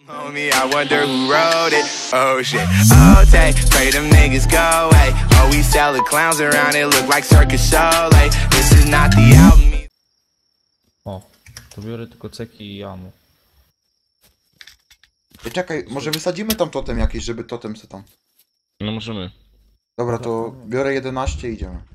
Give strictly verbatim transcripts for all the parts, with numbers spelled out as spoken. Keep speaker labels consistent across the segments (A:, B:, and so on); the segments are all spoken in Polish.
A: Homie, I wonder who wrote it. Oh shit. Oh, take, pray them niggas go away. Oh, we sell the clowns around it, look like circus show. Like, this is not the album.
B: O, to biorę tylko ceki i jamo.
C: Ej, czekaj, może wysadzimy tam totem jakiś, żeby totem se tam.
D: No możemy.
C: Dobra, to biorę jedenaście i idziemy.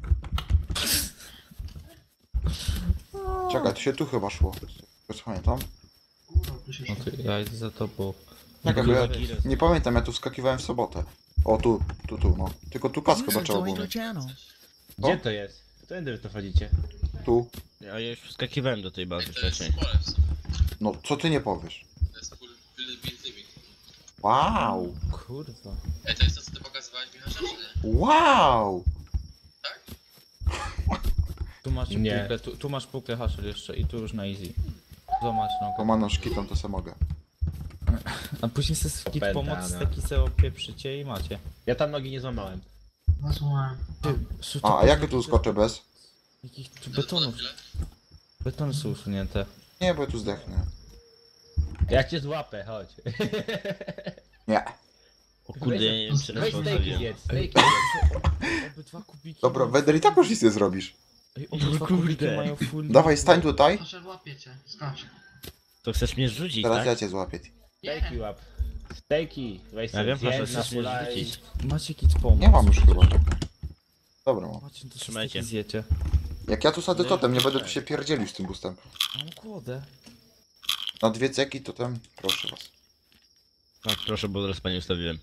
C: Czekaj, to się tu chyba szło. Już pamiętam.
B: No to ja idę za tobą.
C: Czekaj, bo ja nie pamiętam, ja tu wskakiwałem w sobotę. O, tu, tu, tu, no. Tylko tu kask chyba trzeba było mieć.
E: Gdzie to jest? Którędy wy to wchodzicie?
C: Tu.
D: A ja już wskakiwałem do tej bazy wcześniej.
C: No, co ty nie powiesz?
F: To jest full build living.
C: Wow!
B: Kurwa.
F: Ej, to jest to, co ty pokazywałeś, Michał, czy nie?
C: Wow!
F: Tak?
B: Tu masz
E: Nie.
B: puklę, tu, tu masz puklę haszel jeszcze i tu już na easy. Zobacz
C: To
B: nogę.
C: ma na szkiton, to se mogę.
B: A później se skip
E: Opętana.
B: pomoc, taki se opieprzycie i macie.
E: Ja tam nogi nie złamałem.
B: Ty, su-
C: A,
B: to-
C: a jak tu skoczę bez?
B: Jakich tu betonów, betony są usunięte.
C: Nie, bo ja tu zdechnę.
E: Ja cię złapę, chodź.
C: Nie.
D: O kurde, ja nie wiem czy raz
E: Weź stejki
D: postawiłem.
E: zjedz, stejki zjedz.
B: Obydwa kubiki.
C: Dobra, Weder i tak już nic nie zrobisz.
B: Ej, obydwa kubiki mają full.
C: Dawaj, stań tutaj.
G: Proszę, łapię cię, skacz.
D: To chcesz mnie zrzucić,
C: Teraz
D: tak?
C: ja cię złapię.
E: Stejki łap. Stejki. Weź
D: Ja
E: sobie
D: wiem, proszę,
E: zjedz na
D: chcesz mnie
E: fulla i...
D: zrzucić.
B: Macie kit pomoc.
C: Nie mam już chyba. Dobra, mam.
B: Macie, to
D: Trzymajcie.
B: trzymajcie. Zjecie.
C: Jak ja tu sadzę totem, nie będę tu się pierdzielił z tym bustem.
B: Mam kłodę.
C: Na dwie ceki totem, proszę was.
D: Tak, proszę, bo teraz pani ustawiłem.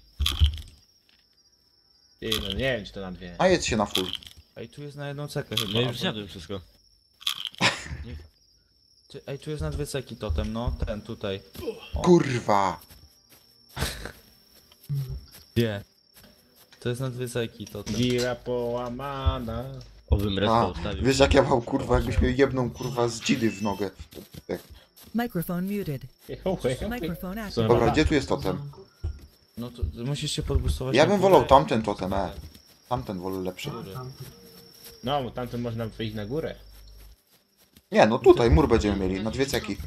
E: Ty, no nie wiem czy to na dwie.
C: A jedz się na full.
B: Ej, tu jest na jedną cekę chyba.
D: Ja już
B: albo-
D: zjadłem wszystko.
B: Ty, ej, tu jest na dwie ceki totem, no. Ten tutaj.
C: Kurwa!
B: Gdzie? To jest na dwie ceki totem.
E: Gira połamana.
D: Obym raz
C: A,
D: to ustawił.
C: wiesz jak ja mam kurwa, jakbyś mnie jebną kurwa z dzidy w nogę. Tak.
H: Microphone muted. Microphone active.
C: Dobra, gdzie tu jest totem?
B: No to musisz się podbustować.
C: Ja
B: na
C: bym
B: górę.
C: wolał tamten totem, e. Tamten wolę lepszy.
E: No, bo tamtym można wyjść na górę.
C: Nie, no tutaj mur będziemy mieli, na dwie ceki.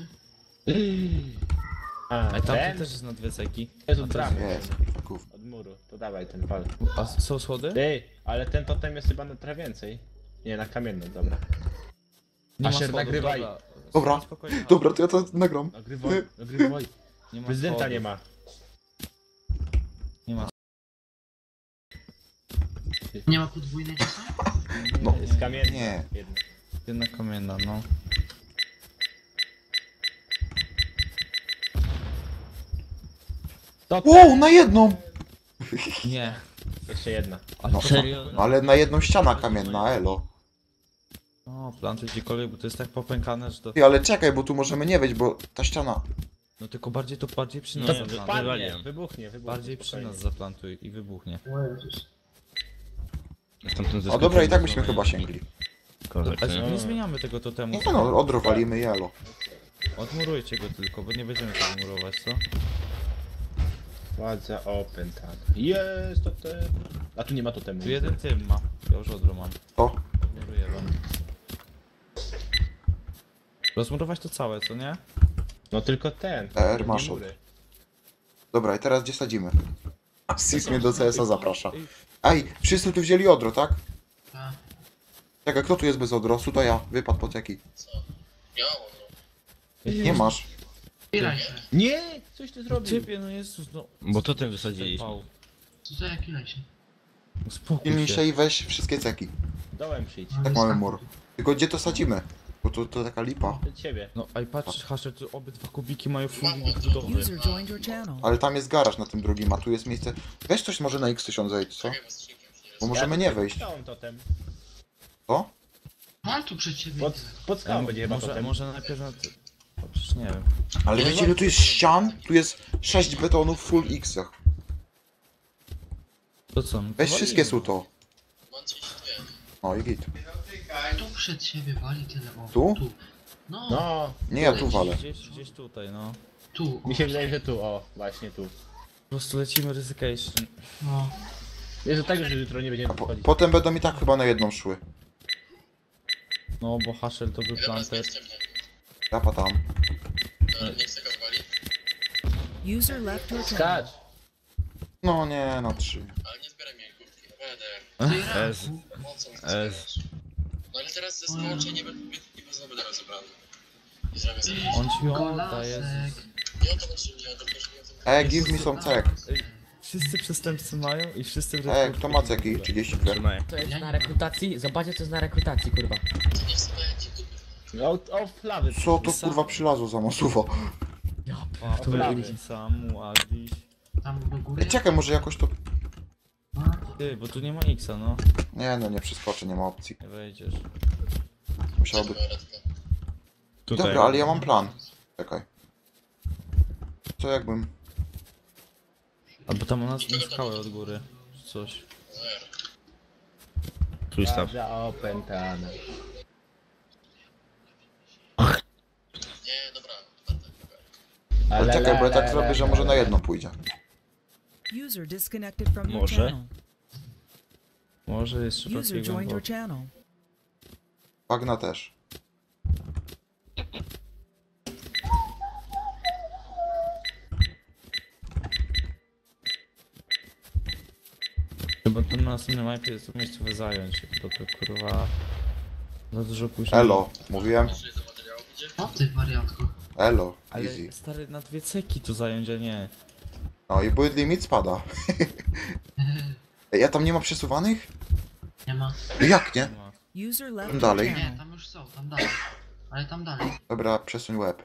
E: A,
B: Ej, tamten
E: ten?
B: też jest na dwie ceki.
E: Jest
B: A
E: od
B: to
E: bramy.
C: Jest, kurwa, gówno.
E: Od muru. To dawaj ten pal.
B: A są schody?
E: Ty, ale ten totem jest chyba na trochę więcej. Nie, na kamiennym, dobra.
B: Nie ma
E: Asher,
B: schodów,
E: nagrywaj.
B: Dobra,
C: Dobra.
B: Spokojnie,
C: Dobra, to ja to nagram.
E: Nagrywaj, nagrywaj.
B: nie ma
E: Prezydenta
B: schodów.
E: nie ma.
B: Nie ma.
G: Nie ma podwójnej czasem?
C: No.
E: Jest kamienny.
C: Nie.
E: Jedna.
B: Jedna kamienna, no.
E: Totem!
C: Wow, na jedną!
B: Nie.
E: Jeszcze jedna.
B: Ale
C: No,
D: Serio?
C: no ale na jedną ściana kamienna, elo.
B: O, plantuj gdziekolwiek, bo to jest tak popękane, że to...
C: Ty, ale czekaj, bo tu możemy nie wejść, bo ta ściana...
B: No tylko bardziej to bardziej przy nas
D: Nie,
B: zaplantuj.
D: wy-
E: Padnie,
D: wywaliłem.
E: wybuchnie, wybuchnie.
B: Bardziej przy
E: spokojnie.
B: nas zaplantuj i wybuchnie.
D: Stamtąd
C: A dobra, i tak byśmy chyba sięgli.
D: Kozak,
B: Ale
D: nie?
B: nie zmieniamy tego totemu.
C: Nie no, odrowalimy i elo.
B: Odmurujcie go tylko, bo nie będziemy tego murować, co?
E: Władza opętana. Jest totem. A tu nie ma totemu.
B: Tu jeden tym ma. Ja już odro mam.
C: To?
B: Odmuruję wam. Rozmurować to całe, co nie?
E: No tylko ten.
C: R
E: nie
C: masz
E: mury.
C: Dobra, i teraz gdzie sadzimy? A Sis mnie do C S a zaprasza. Ej, wszyscy tu wzięli odro, tak?
G: Tak.
C: Czekaj, kto tu jest bez odrosu? To ja. Wypadł po ceki.
F: Nie mam odro.
C: Nie masz.
G: Pilaj się.
E: Nie! Coś ty zrobił.
B: Ciebie, no Jezus, no.
D: Bo totem wysadziliśmy.
B: Pał.
G: Co za jak pilaj się?
B: Uspokój
C: Pilnij
B: się.
C: się i weź wszystkie ceki.
E: Dołem przyjdź.
C: Tak mamy mur. Tylko gdzie to sadzimy? Bo to, to taka lipa.
E: Do ciebie.
B: No, a i patrz, Hasher, tu obydwa kubiki mają full limit budowy.
H: User joined your channel.
C: Ale tam jest garaż na tym drugim, a tu jest miejsce... Weź coś może na X tysiąc zejdź, co?
F: Czekaj, bo skrzynkiem się nie
C: Bo możemy nie wejść.
E: Dałem totem.
C: Co?
G: Mam tu przed ciebie.
E: Pod, pod skałą będzie chyba
B: może,
E: totem.
B: może najpierw na... ty- O, przecież nie wiem.
C: Ale wiecie ile tu jest ścian? Tu jest sześć betonów full X-ach.
B: To co? No to
C: Weź
B: walimy.
C: wszystkie są to.
F: mam trzydzieści dwa.
C: No i git.
G: Tu przed ciebie wali tyle o.
C: Tu?
G: Tu. No,
E: No,
C: Nie, ja tu walę.
B: Gdzieś, gdzieś tutaj, no.
G: tu. O.
E: mi się wydaje, że tu, o, właśnie tu.
B: Po prostu lecimy ryzycation.
G: No.
E: Jest to tak, że jutro nie będziemy
C: Po,
E: wchodzić.
C: potem będą i tak chyba na jedną szły.
B: No, bo Hasher to był
F: Dobra,
B: planter.
F: zmierzcie mnie.
C: Ja tam.
F: No, nie chcę go wywalić.
H: User left your channel.
E: Skacz!
C: No nie, na trzy.
F: Ale nie zbieraj mnie kurtki, naprawdę.
D: Ez.
F: Po co mi to
D: Ez.
F: zbierasz? No ale teraz ze skończę nie będę, nie będę będę rozebrany. I zrobię sobie.
B: On ci odda, jest.
G: Golasek.
F: Nie o to chodzi, nie o to chodzi, nie o to.
C: E, give me some cek.
B: Wszyscy przestępcy mają i wszyscy w
C: E, kto ma ceki? trzydzieści dwa.
D: Trzymaj.
I: To jest na rekrutacji? Zobaczcie co jest na rekrutacji, kurwa.
F: Nie wstawajcie, tu.
E: O, o flawy.
C: Co to kurwa przylazło za masuwo?
B: A, tu
E: Prawie.
B: jest Samu, Adiś.
G: Tam do góry.
C: Ej, czekaj, może jakoś to...
B: Ty, bo tu nie ma Xa, no.
C: Nie no, nie przeskoczę, nie ma opcji.
B: Nie wejdziesz.
C: Musiałoby...
D: Tutaj.
C: Dobra, ale ja mam plan. Czekaj. Co jakbym...
B: Albo tam u nas na skałę od góry. Czy coś.
D: Twój staw.
E: Za opętane.
F: Nie, dobra. Będę.
C: Ale czekaj, bo ja tak zrobię, że może na jedno pójdzie.
H: User disconnected from your
D: Może?
H: channel.
B: Może jest
H: User
B: przypadkiem
H: joined your
B: głęboko.
H: channel.
C: Bagna też.
B: Chyba to na następnym mapie jest to miejscowe zająć, bo to kurwa... Za dużo później.
C: Elo, mówiłem.
F: Czy do materiału idzie?
G: O ty wariatko.
C: Elo,
B: Ale
C: easy.
B: stary, na dwie ceki to zająć, a nie.
C: No i build limit spada. Ej, ja tam nie ma przesuwanych?
G: Nie ma.
C: Jak nie?
B: Ma.
H: User left
C: Tam
H: your
C: dalej.
G: Nie,
H: channel.
G: tam już są, tam dalej. Ale tam dalej.
C: Dobra, przesuń łeb.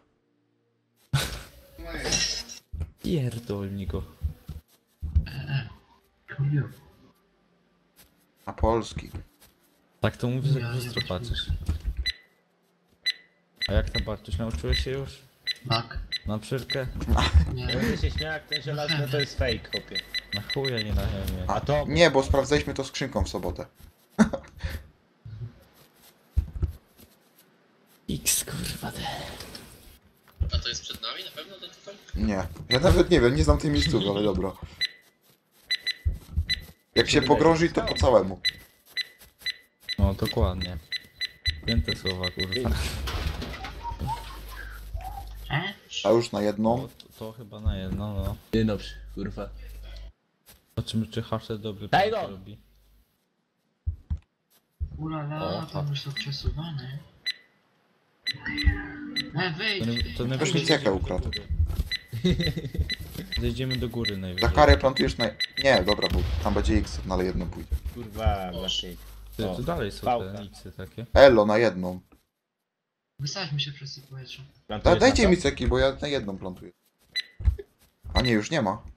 B: Pierdolniko.
G: E, e. Chuju.
C: Na polski.
B: Tak to mówisz, jak
G: Ja
B: bystro
G: nie
B: patrzysz. A jak tam Bartuś, nauczyłeś się już?
G: Tak.
B: Na przyrkę?
G: Nie.
E: Będę się śmiał, jak ten żelazny to jest fake, chłopie.
B: Na chuja, nie na ziemię.
E: A to...
C: Nie, bo sprawdzaliśmy to skrzynką w sobotę.
B: X kurwa te.
F: A to jest przed nami na pewno ten tutaj?
C: Nie. Ja nawet nie wiem, nie znam tej miejscówki, ale dobra. Jak się pogrąży, to po całemu.
B: No dokładnie. Pięte słowa kurwa.
G: E?
C: A już na
B: No,
C: jedną.
B: to, to chyba na jedno, no.
E: Nie dobrze, kurwa.
B: Zobaczymy czy Hasher dobry
E: Daj
B: plan
E: go!
B: robi.
G: Ulala,
B: O,
G: tam już są przesuwane. E,
B: To,
G: wyjdź!
B: nie, to
C: Ktoś
B: najwyżej
C: mi cekę
B: zejdziemy do
C: ukradł.
B: góry. Zejdziemy do góry
C: Za
B: najwyżej.
C: karę plantujesz na... Nie, dobra, bo tam będzie X, no ale jedno pójdzie.
E: Kurwa, właśnie.
B: Ty,
E: O,
B: tu dalej są
E: pałka.
B: te Xy takie.
C: Elo, na jedną.
G: Wysadźmy się przez to powietrze.
C: Da,
E: Plantujesz
C: dajcie
E: na
C: mi
E: to?
C: ceki, bo ja na jedną plantuję. A nie, już nie ma.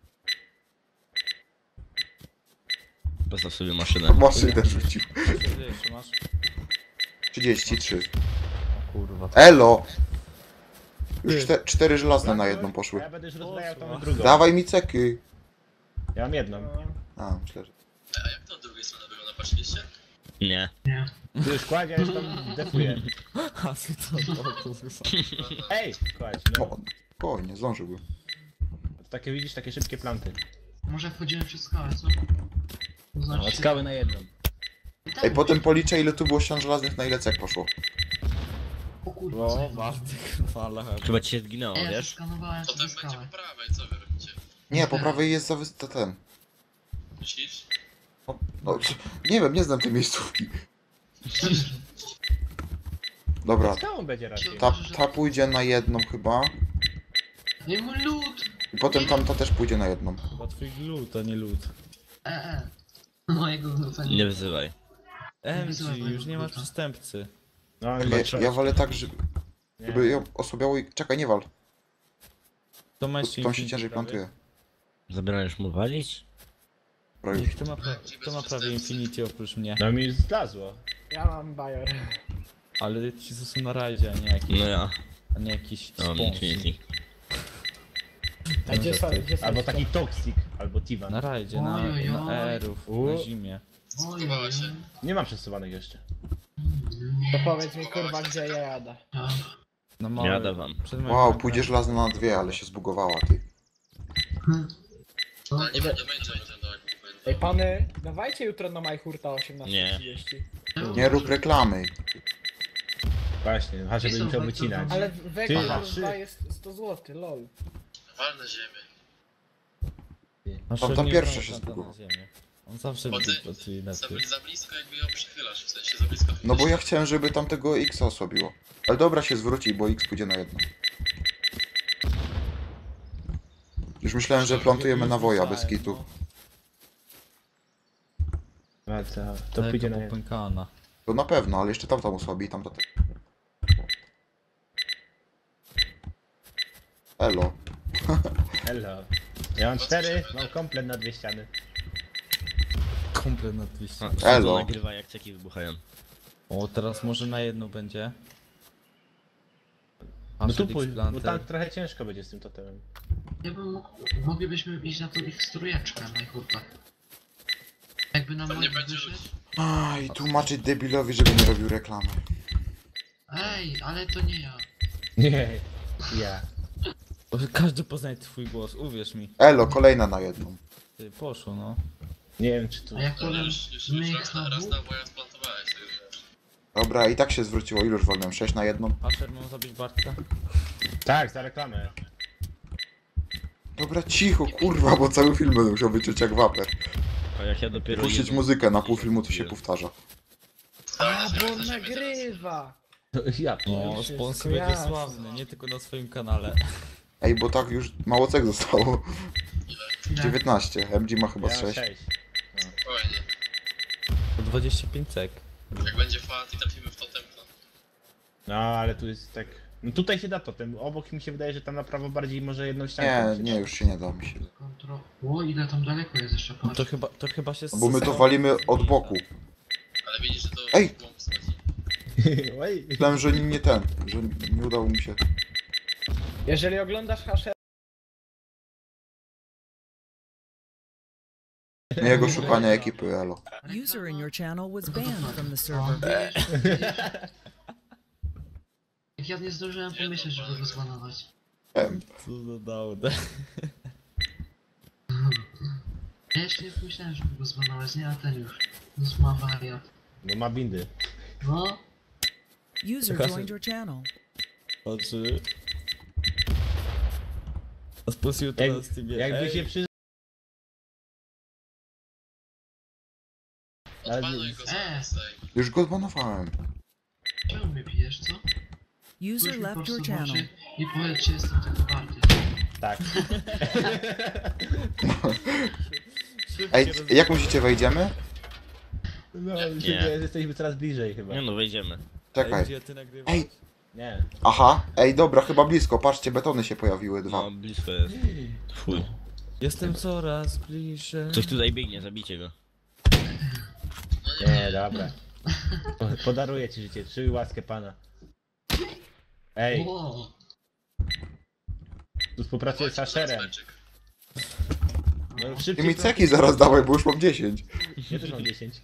D: Postaw sobie maszynę.
C: Maszynę rzucił.
B: Ile jeszcze masz?
C: trzydzieści trzy.
B: O kurwa.
C: Elo! Już czte, cztery żelazne na jedną poszły.
E: Ja będę już rozbrajał tą drugą.
C: Dawaj mi ceki.
E: Ja mam jedną.
C: A, myślę, że...
F: A jak to od drugiej strony wygląda? Patrzyliście?
D: Nie.
G: Nie.
E: Ty już kładzie, ja już tam defuję.
B: A ty to, to kurwa.
E: Ej, kładź, no.
C: O, spokojnie, zdążyłbym.
E: Takie widzisz, takie szybkie planty.
G: Może wchodzimy przez skałę, co? To
E: No,
G: znaczy
E: od skały na jedną.
C: Ej, potem policzę ile tu było ścian żelaznych, na ile cek poszło.
G: O kurwa,
B: O,
G: co?
B: Bartek, fala.
D: Chyba ci się zginęło,
G: Ej, ja
D: wiesz?
G: przeskanowałem
F: Potem
G: sobie
F: będzie
G: skałę.
F: po prawej, co wy robicie?
C: Nie, po prawej jest za wys... to ten.
F: Myślisz?
C: No, no, nie wiem, nie znam tej miejscówki. Dobra,
E: Skałą będzie raczej.
C: ta, ta pójdzie na jedną chyba.
G: Nie mój lód!
C: I potem tamta też pójdzie na jedną.
B: Chyba twój glut, a nie lód.
G: E, e. Mojego gluta
D: Nie wyzywaj.
B: M
G: wysyłaj
B: G,
G: mojego
B: już nie ma
G: gluta.
B: przestępcy.
E: No,
C: Ja,
E: nie,
C: ja wolę tak, żeby,
E: nie.
C: żeby ją osłabiało i... Czekaj, nie wal.
B: To ma jeszcze
C: Tą się
B: Infinity
C: ciężej
B: prawie?
C: plantuje.
D: Zabrałeś mu walić?
C: Dobra,
B: Nie,
C: już.
B: kto ma, pra kto ma prawie Infinity oprócz mnie?
E: No mi zlazło.
J: Ja mam bajer.
B: Ale ci co są na rajdzie, a nie jakiś,
D: No ja.
B: a nie jakiś
D: No,
B: sponsor.
D: Infinity.
J: A gdzie są, gdzie są
E: Albo taki Toxic, albo Tivan.
B: Na rajdzie, na,
G: Ojojoj.
B: na Aerów,
E: U.
B: na zimie.
G: Oj,
F: Schowała się.
E: Nie mam przesuwanych jeszcze.
J: To powiedz mi kurwa gdzie ja jadę.
G: tak.
B: Na małe,
D: Jadę wam.
B: przed moim
C: Wow,
B: domem.
C: pójdzie żelazna na dwie, ale się zbugowała, ty.
F: Ale nie będzie będzie Nintendo, jak nie pamiętam.
J: Ej pany, dawajcie jutro na Majhurta osiemnaście
D: Nie.
J: trzydzieści.
C: Nie rób reklamy.
E: Właśnie, a żeby
G: Są
E: musiał
G: bardzo
E: wycinać.
J: Ale
E: Ty,
J: wektor
E: trzy.
J: dwa jest sto złotych, lol.
F: Walne ziemię.
B: Nasze
C: Tam- tam
B: nie
C: pierwsze
B: są
C: się
B: spada
C: zbugowało.
B: na ziemię. On zawsze
F: Bo ty
B: pracuje na
F: za,
B: tym.
F: za blisko jakby ją przychylasz, w sensie za blisko.
C: No bo ja chciałem, żeby tamtego X osłabiło. Ale dobra, się zwróci, bo X pójdzie na jedno. Już myślałem, że plantujemy na woja bez kitu.
E: A co? To pójdzie na jedno.
B: popękana.
C: To na pewno, ale jeszcze tamta osłabi i tamta też. Elo.
E: Hello. Ja mam cztery, mam komplet na dwie ściany.
B: Komplet na dwieście.
D: A,
C: Elo.
D: to nagrywa jak ceki wybuchają.
B: O, teraz może na jedną będzie.
E: No
B: Asher
E: tu pójdź,
B: X
E: bo tam
B: Planter.
E: trochę ciężko będzie z tym totemem.
G: Ja bym mógł, moglibyśmy iść na tą ich strujeczkę, najchurpa. Jakby nam
F: Tam nie
G: moich
F: będzie
G: wyszedł.
F: ludzi.
C: Aj, tłumaczyć debilowi, żeby nie robił reklamy.
G: Ej, ale to nie ja.
E: Nie, ja.
B: O, każdy poznaje twój głos, uwierz mi.
C: Elo, kolejna na jedną.
B: Ty, poszło no.
E: Nie wiem czy tu.
G: A jak
F: Ale
G: powiem,
F: już, już,
G: my
F: już
G: ich
F: raz, na,
G: na
F: raz
G: dwóch,
F: na woja splantowałeś, to już wiesz.
C: Dobra, i tak się zwróciło. Iluż wolnym? sześć na jedną?
B: Asher, mam zabić Bartka?
E: Tak, za reklamę.
C: Dobra, cicho, kurwa, bo cały film będę musiał wyczuć jak waper.
D: A jak ja dopiero
C: Puścić
D: jedną-
C: muzykę, na pół filmu to się powtarza.
J: A, bo on nagrywa!
E: To ja.
B: No,
J: już jest
B: sponsor będzie
J: jasne.
B: sławny, nie tylko na swoim kanale.
C: Ej, bo tak już mało cech zostało.
G: ile?
C: dziewiętnaście, M G ma chyba
E: Ja mam
C: sześć.
E: sześć.
F: Spokojnie.
B: To dwadzieścia pięć sek.
F: Jak będzie fat i trafimy w totem, to...
E: No ale tu jest tak. No tutaj się da totem. Obok mi się wydaje, że tam na prawo bardziej może jedną ściankę.
C: Nie,
E: mi się
C: nie,
E: da.
C: już się nie da mi się.
G: Kontro... O, ile tam daleko jest jeszcze,
B: No
G: patrz.
B: to chyba, to chyba się...
C: No bo my to walimy od boku.
F: Ale widzisz, że to...
C: Ej!
F: w głąb schodzi.
E: Oj.
C: Myślałem, że nie ten, że nie udało mi się.
J: Jeżeli oglądasz Hasher,
C: Nie jego szukania ekipy, elo.
H: User in your channel was banned from the server.
G: Jak ja nie zdążyłem pomyśleć, żeby go zbanować.
C: Em,
B: Co za dałdę.
G: Ja jeszcze nie pomyślałem, żeby go zbanować, nie, a ten już. Już ma wariat.
E: Bo ma bindy.
G: No,
H: User
B: Hasher.
H: joined your channel.
B: Oczy... A spuścił to
E: Jak,
B: na Steamie.
E: jakby
B: Ej,
E: się przy... Ale-
F: Odpanuj go
G: Eee.
F: za tej.
C: już go zbanowałem.
G: czemu mnie pijesz, co?
H: User
G: Spójrz mi po
H: left your
G: prostu w
H: channel.
G: oczy i powiedz, czy jestem tego warty.
E: Tak.
B: szybkie
C: Ej,
B: roz-
C: jak myślicie, wejdziemy?
E: No,
D: Nie.
E: mi się wydaje, że jesteśmy coraz bliżej chyba.
D: Nie no, wejdziemy.
B: Ej,
C: Czekaj.
B: gdzie ty nagrywasz?
C: Ej,
E: Nie.
C: aha, ej, dobra, chyba blisko. Patrzcie, betony się pojawiły, dwa.
D: No, blisko jest. Fuj.
B: Jestem coraz bliżej.
D: Coś tutaj biegnie, zabijcie go.
E: Nie, dobra. Po- Podaruję ci życie, czuj łaskę pana. Ej,
G: O,
E: tu współpracuję z Asherem.
F: Smyczek.
E: No,
C: I
E: szybciej.
C: mi ceki zaraz dawaj, bo już mam dziesięć.
E: Ja też mam dziesięć.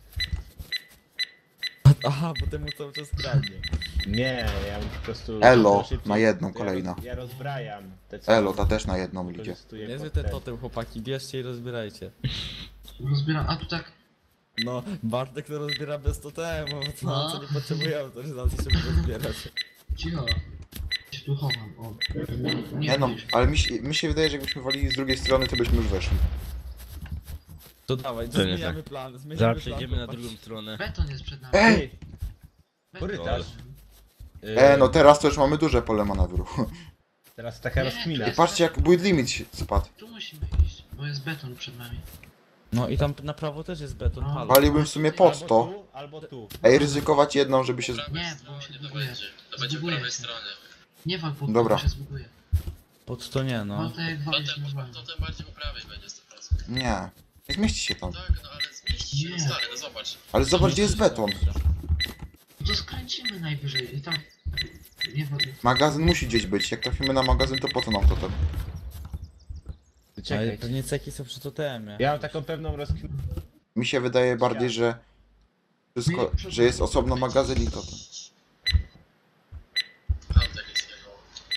B: Aha, bo temu cały czas kradnie.
E: Nie, ja po prostu...
C: Elo,
E: szybciej.
C: na jedną,
E: Ja
C: kolejna.
E: roz- Ja rozbrajam te co
C: Elo, ta też na jedną idzie.
E: wykorzystuję
B: Niezły
E: pod
B: ten
E: ten.
B: totem, chłopaki, bierzcie i rozbierajcie.
G: rozbieram, a tu tak,
B: No, Bartek to rozbiera bez totemu, bo co,
G: No.
B: co nie potrzebujemy, to znaczy, żeby rozbierać.
G: cicho. Się tu chowam, o.
C: Nie no,
G: widzisz.
C: ale mi się, mi się wydaje, że jakbyśmy walili z drugiej strony, to byśmy już weszli.
B: To dawaj,
D: To nie
B: zmieniamy plan, zmieniamy
D: Zaraz
B: plan,
D: przejdziemy na
B: chłopaki.
D: drugą stronę.
G: Beton jest przed nami.
C: Ej!
E: Ej,
G: Beton.
E: korytarz.
C: E, no teraz to już mamy duże pole manewru.
E: Teraz taka rozkmina.
C: I patrzcie jak build limit się spadł.
G: Tu musimy iść, bo jest beton przed nami.
B: No i tam na prawo też jest beton,
G: No.
B: halo.
C: Waliłbym w sumie pod
E: Albo
C: to.
E: tu, albo tu.
C: Ej, ryzykować jedną, żeby się... z-
F: prawej
G: Nie, bo
F: stronie
G: się
F: to
G: zbuguje.
F: będzie. To będzie po
G: Zbuguje
F: prawej
G: się.
F: stronie.
G: Nie wal pod
C: Dobra.
G: to, się zbuguje.
B: Pod to nie,
G: No
B: no.
G: to jak walisz
F: Totem,
G: normalnie.
F: totem bardziej po prawej będzie sto procent.
C: Nie. Nie zmieści się tam.
F: Tak, no ale zmieści się, no
G: Nie.
F: stary, no zobacz.
C: Ale zobacz gdzie jest beton.
G: No to skręcimy najwyżej i tam... Nie wal...
C: Magazyn musi gdzieś być. Jak trafimy na magazyn, to po co nam to ten?
B: Ale
E: Czekaj.
B: pewnie ceki są przy totemie.
E: Ja mam taką pewną rozkminę.
C: Mi się wydaje bardziej, że... Wszystko, że jest osobno magazyn i to ten.
F: Tam tak jest jego.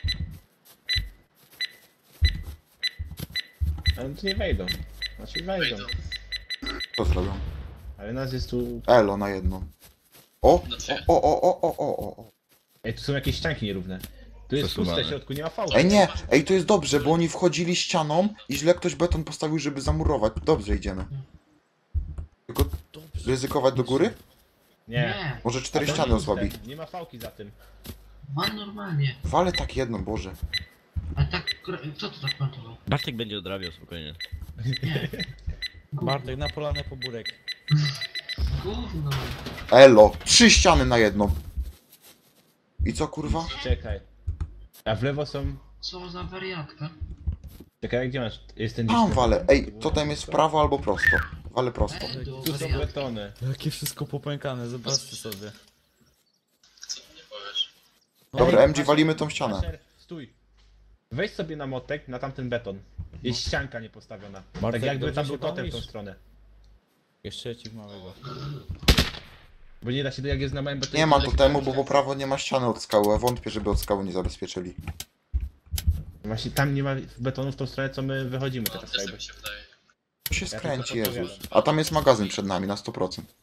E: Ale tu nie wejdą. Znaczy wejdą.
F: Wejdą.
C: Co zrobią?
E: Ale nas jest tu...
C: Elo na jedną. O!
F: Na dwie.
C: O, o, o, o, o, o, o.
E: Ej, tu są jakieś ścianki nierówne. Tu Tu jest
D: Przesuwane.
E: puste w środku, nie ma fałki.
C: Ej nie, ej to jest dobrze, bo oni wchodzili ścianą i źle ktoś beton postawił, żeby zamurować. Dobrze idziemy. Tylko ryzykować do góry?
E: Nie.
G: Nie,
C: Może cztery
E: A to
C: ściany
E: jest puste,
C: osłabi.
E: Nie ma fałki za tym.
G: wal normalnie.
C: Wale tak jedno, Boże.
G: A tak, kro- co to tak plantował?
D: Bartek będzie odrabiał spokojnie.
G: Gówno.
B: Bartek na polanę po burek.
G: Gówno.
C: Elo, trzy ściany na jedną. I co kurwa?
E: Czekaj. A w lewo są...
G: Co za wariatka.
E: Czekaj, gdzie masz? Jest ten
C: Tam
E: gdzieś-
C: wale. Ej, totem jest w prawo albo prosto. Wale prosto.
G: Ej, do
E: Tu są
G: wariatka.
E: betony.
B: Jakie wszystko popękane, zobaczcie sobie.
F: Co ty nie powiesz?
C: Dobra,
E: Ej,
C: M G walimy tą ścianę.
E: Asher, stój. Weź sobie na motek, na tamten beton. Jest ścianka niepostawiona.
B: Bartek,
E: Tak jakby
B: dobrze
E: tam
B: się
E: był totem w tą
B: bawisz?
E: stronę.
B: Jeszcze ci małego.
E: Bo nie da się, jak jest na małym betonie...
C: Nie ma
E: to
C: totemu,
E: da
C: bo
E: się-
C: po prawo nie ma ściany od skały, a wątpię, żeby od skały nie zabezpieczyli.
E: Właśnie tam nie ma betonu w tą stronę, co my wychodzimy
F: No,
E: teraz.
F: też tak
E: jakby.
F: mi się wydaje.
C: To się
E: Ja
C: skręci,
E: tylko
C: Jezus.
E: podpowiadam.
C: A tam jest magazyn przed nami na sto procent.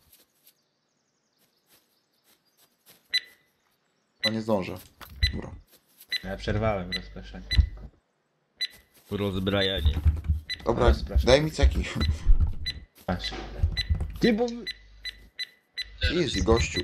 C: A nie zdążę. Dobra.
E: Ja przerwałem rozpraszanie.
D: Rozbrajanie.
C: Dobra,
E: Ale spraszam.
C: daj mi ceki.
E: Patrz. Ty, bo...
C: Easy, gościu.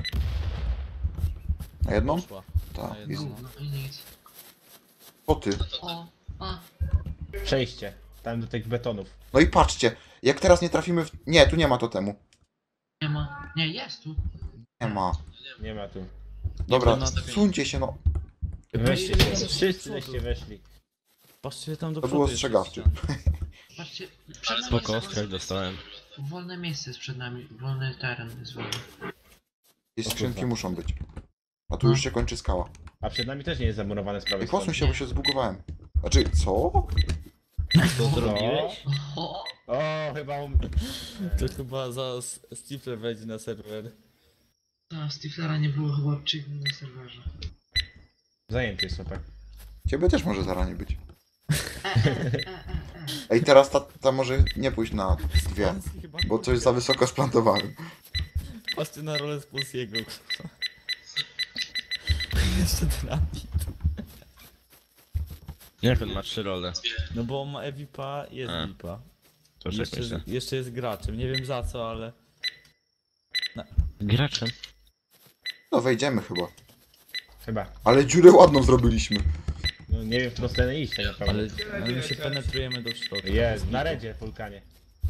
C: Na jedną?
B: Poszła.
C: Tak,
B: Na jedną.
C: easy.
G: Gówno i nic.
C: Po ty.
G: O, a.
E: Przejście. Tam do tych betonów.
C: No i patrzcie, jak teraz nie trafimy w... Nie, tu nie ma totemu.
G: Nie ma. Nie, jest tu.
C: Nie ma.
E: Nie ma tu.
C: Dobra,
B: na-
C: suńcie się, no.
E: Weźcie
B: Patrzcie,
E: się.
B: tam
E: Wszyscy
B: do
E: żeście
B: przodu.
E: weszli.
B: Patrzcie tam do
C: To
B: przodu.
C: było
B: jeszcze
C: ostrzegawczy.
B: ściana.
G: Patrzcie, przed nami
D: Spoko,
G: jest
D: ostrzeg dostałem.
G: wolne miejsce jest przed nami. Wolny teren jest wolny.
C: I skrzynki
E: kurwa.
C: muszą być. A tu już się kończy skała.
E: A przed nami też nie jest zamurowane z prawej
C: I posuń
E: strony.
C: się, bo się zbugowałem. Znaczy, co?
D: Co zrobiłeś?
G: O,
E: O, chyba um...
B: To chyba zaraz Stifler wejdzie na serwer.
G: ta Stiflera nie było chyba od trzy dni na serwerze.
E: Zajęty jest chłopak.
C: Ciebie też może zaranie być.
G: E, e, e, e, e.
C: Ej, teraz ta, ta może nie pójść na dwie.
B: Polski chyba
C: Bo coś za wysoko splantowałem.
B: Patrzcie na rolę z Polskiego. kurwa. Jeszcze trafi.
D: Jak on ma trzy role?
B: No bo on ma E-V I P-a, jest
D: A.
B: V I P-a.
D: To
B: Jeszcze,
D: czekaj się.
B: jeszcze jest graczem, nie wiem za co, ale...
D: Graczem?
C: No wejdziemy chyba.
E: Chyba.
C: Ale dziurę ładną zrobiliśmy.
E: No nie wiem, w którą stronę iść tak naprawdę.
B: Ale, ale my się penetrujemy do środka.
E: Jest, na redzie, wulkanie.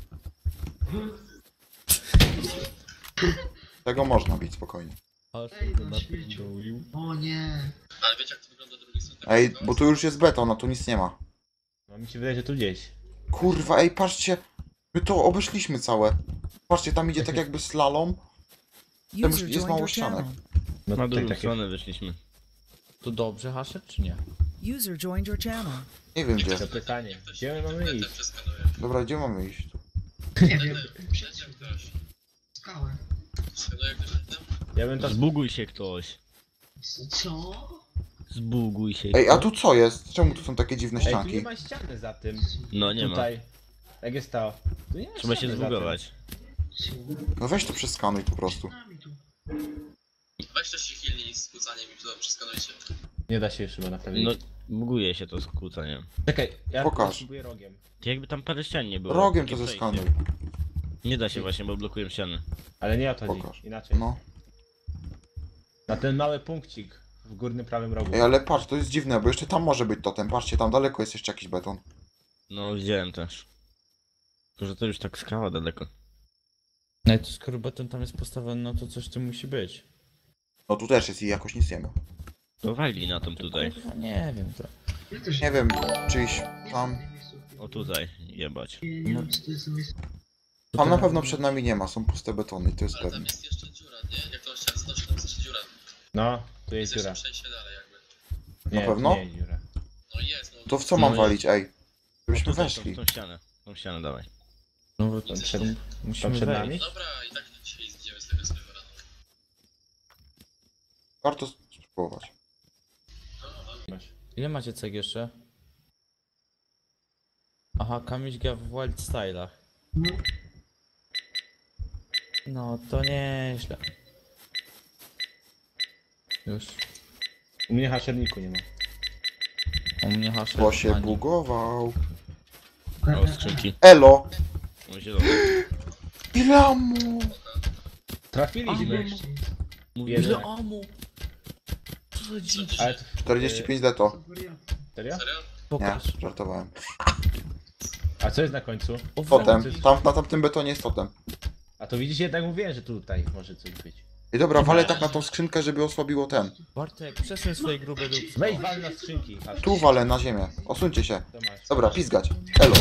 C: Tego można bić spokojnie.
B: Aż
G: Ej,
B: to
G: no śmieciu.
B: napierdolił.
G: O nie.
F: Ale wiecie jak to wygląda z drugiej strony?
C: Ej, bo tu już jest beton, a tu nic nie ma.
E: No mi się wydaje, że tu gdzieś.
C: Kurwa, ej, patrzcie. My to obeszliśmy całe. Patrzcie, tam idzie tak jakby slalom. Tam już
H: User
C: jest
H: joined
C: mało
H: your
C: ścianek.
H: channel.
E: No
D: Na
E: tutaj
D: drugą
E: takie...
D: stronę wyszliśmy.
B: To dobrze, Hasher, czy nie?
H: User joined your channel.
C: Nie wiem gdzie.
E: To pytanie. Gdzie my mamy
F: Ten
E: iść?
F: przeskanuje.
C: Dobra, gdzie mamy iść? Tu.
G: Nie wiem.
F: Przecież ktoś.
G: Skałę.
F: Skanuje ktoś ten?
E: Ja bym to...
D: Zbuguj się ktoś.
G: Co?
D: Zbuguj się
C: Ej, a
D: ktoś.
C: tu co jest? Czemu tu są takie dziwne
E: Ej, tu nie
C: ścianki?
E: ma ściany za tym.
D: No nie ma.
E: Tutaj. Jak jest to? Tu nie ma
D: Trzeba się
E: ściany za tym.
D: zbugować.
C: No weź to przeskanuj po prostu.
G: Nami tu.
F: Weź też się chwilnij z kłócaniem i to przeskanujcie.
E: Nie da się już chyba naprawić.
D: No, buguje się to skłóceniem.
E: Czekaj, ja
C: Pokaż.
E: spróbuję rogiem.
D: Jakby tam parę ścian nie było.
C: Rogiem
D: takie
C: to
D: przejście.
C: zeskanuj.
D: Nie da się właśnie, bo blokują ściany.
E: Ale nie o to chodzi.
C: Pokaż.
E: Inaczej.
C: No.
E: Na ten mały punkcik w górnym prawym rogu.
C: Ej, ale patrz, to jest dziwne, bo jeszcze tam może być totem. Patrzcie, tam daleko jest jeszcze jakiś beton.
D: No, widziałem też. Tylko, że to już tak skała daleko.
B: No i to skoro beton tam jest postawiony, no to coś tu musi być.
C: No tu też jest i jakoś nic nie ma.
D: To wali na tym tutaj.
B: Kurwa, nie wiem to.
G: Ja też
C: Nie wiem, czyjś tam...
D: O tutaj, jebać.
G: Nie, nie wiem co to jest za miejsce.
C: Tam na pewno przed nami nie ma, są puste betony, to jest
F: Ale tam
C: pewne.
F: jest jeszcze dziura, nie? Jak to chciałem zobaczyć, tam jest jeszcze dziura.
E: No, tu
F: Jest
E: jest dziura.
F: jeszcze przejście dalej jakby.
E: Nie,
C: Na pewno?
E: Nie jest dziura.
F: No jest, no.
C: To w co mam
D: No
C: walić, ej?
D: O,
C: Żebyśmy
D: tutaj,
C: weszli.
D: Tą, tą ścianę. Tą ścianę dawaj.
B: No bo
E: Tam
B: to
E: przed,
B: musimy
E: przed
B: wejść.
E: nami?
F: Dobra, i tak dzisiaj zjedziemy z tego serwera.
C: Warto spróbować.
E: Masz.
B: Ile macie ceg jeszcze? Aha, Kamiś gra w Wild Style'ach.
G: No.
B: No to nieźle. Już.
E: U mnie haszerniku nie ma.
B: U mnie hasze.
C: Bo się
B: ani.
C: bugował.
D: O, skrzynki.
C: Elo!
D: O, zielone.
C: Ile mu?
E: Trafiliśmy.
I: Mówię,
E: Jeden.
I: że amu. Co za dzicz.
E: Ale to...
C: czterdzieści pięć deto.
E: Serio?
F: Serio?
C: Nie,
I: Pokaż.
C: żartowałem.
E: A co jest na końcu?
I: O,
C: Totem.
E: to jest-
C: Tam, na tamtym betonie jest totem.
E: A to widzisz, jednak mówiłem, że tutaj może coś być.
C: I dobra, walę tak na tą skrzynkę, żeby osłabiło ten.
B: Bartek, przesuń swoje grube dupy.
E: Weź wal na skrzynki. Aż.
C: Tu walę na ziemię. Osuńcie się.
E: To masz.
C: Dobra, pizgać. Elo.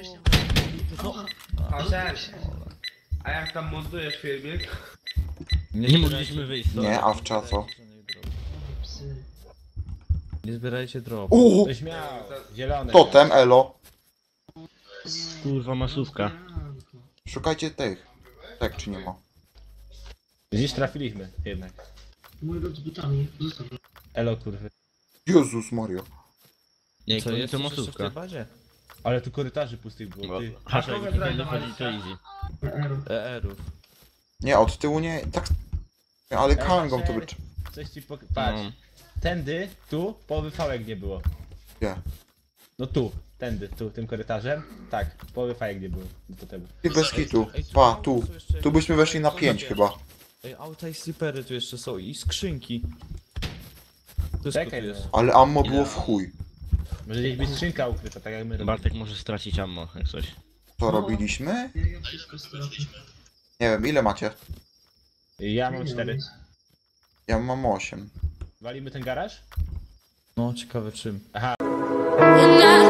J: A cześć. A jak tam montujesz filmik?
D: Nie mogliśmy wyjść. sorry.
C: Nie, a w czaso.
G: Psy.
B: Nie zbierajcie drop.
C: Uuu!
E: Ktoś miał. Zielone.
C: Totem, elo.
D: Kurwa, masówka.
C: Szukajcie tych. Tak, czy nie ma?
E: Gdzieś trafiliśmy jednak.
G: Mój lud z butami. Zostaw.
E: Elo kurwy.
C: Jezus Mario.
D: Nie,
B: Co
D: to,
B: jest
D: to
B: jeszcze w tej
D: masówka.
B: bazie?
E: Ale tu korytarzy pustych było. Ty.
D: Hasza,
J: kogo
D: jak
J: grać
D: nie
J: na
D: wychodzi, to
J: Marisa?
D: easy.
G: P R.
B: E R-ów.
C: Nie, od tyłu nie. Tak. Ale kangą to by.
E: Coś ci pok... Patrz.
D: No.
E: Tędy, tu, połowy fałek nie było.
C: Gdzie?
E: No tu, tędy, tu, tym korytarzem. Tak, połowy fałek nie było. Do totemu.
C: Ty bez kitu.
B: Ej, tu
C: Pa,
B: auta
C: tu.
B: są jeszcze-
C: Tu byśmy weszli na pięć chyba.
B: Ej, auta i slipery tu jeszcze są i skrzynki. Wszystko
E: Czekaj,
B: tu jest.
E: no.
C: Ale ammo było w chuj.
E: Może gdzieś być skrzynka ukryta, tak jak my robimy.
D: Bartek może stracić ammo, jak coś.
C: Co robiliśmy?
G: Ja, ja wszystko stracę.
C: Nie wiem, ile macie?
E: Ja mam cztery.
C: Ja mam osiem.
E: Walimy ten garaż?
B: No, ciekawe czym.
E: Aha.
K: And I